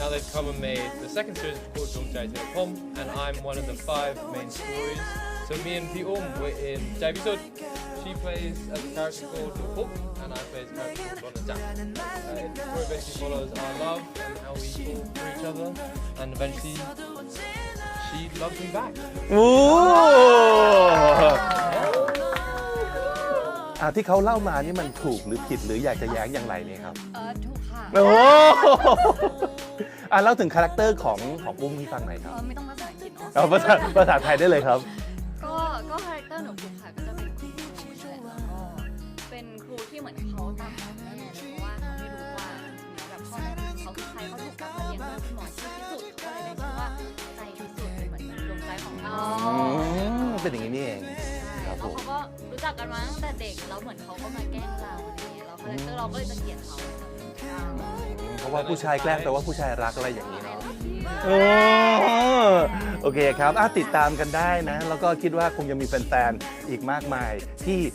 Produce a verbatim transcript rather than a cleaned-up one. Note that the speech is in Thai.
now they've come and made the second series called Dong Jai Tae Pom, and I'm one of the five main stories. So me and Pi Um, we're in Jae-bisod. She plays a character called Hook, and I play a character called Lona Jang. Uh, the story basically follows our love and how we fall for each other, and eventually she loves me back. โอ้อ่ะที่เขาเล่ามานี่มันถูกหรือผิดหรืออยากจะแย้งอย่างไรเนี่ยครับเออถูกค่ะโอ้อ่ะเล่าถึงคาแรคเตอร์ของของอุ้มให้ฟังหน่อยคเอรับอไม่ต้องภาษาอังกฤษเนาะเอาภาษาภาษาไทยได้เลยครับก็ก็คาแรคเตอร์หนูถูกค่ะก็จะเป็นครูใช่แล้วก็เป็นครูที่เหมือนเขาตามหาแม่เลยเพราะว่าเขาไม่รู้ว่าแบบพ่อแม่เขาคือใครเขาถูกรับมาเลี้ยงด้วยคุณหมอที่พิสูจน์เขาก็เลยได้ชื่อว่าใจพิสูจน์เป็นเหมือนดวงใจของเราอืมเป็นอย่างนี้นี่เองคแล้รัวบผมเขาก็รู้จักกันมาตั้งแต่เด็กแล้วเหมือนเขาก็มาแกล้งเราอะไรอย่างเงี้ยแล้วคาแรคเตอร์เราก็เลยจะเกลียดเขาเพราะว่าผู้ชายแกล้งแปลว่าผู้ชายรักอะไรอย่างนี้เนาะโอโอเคครับอ่ะติดตามกันได้นะ แล้วก็คิดว่าคงยังมีแฟนๆอีกมากมายที่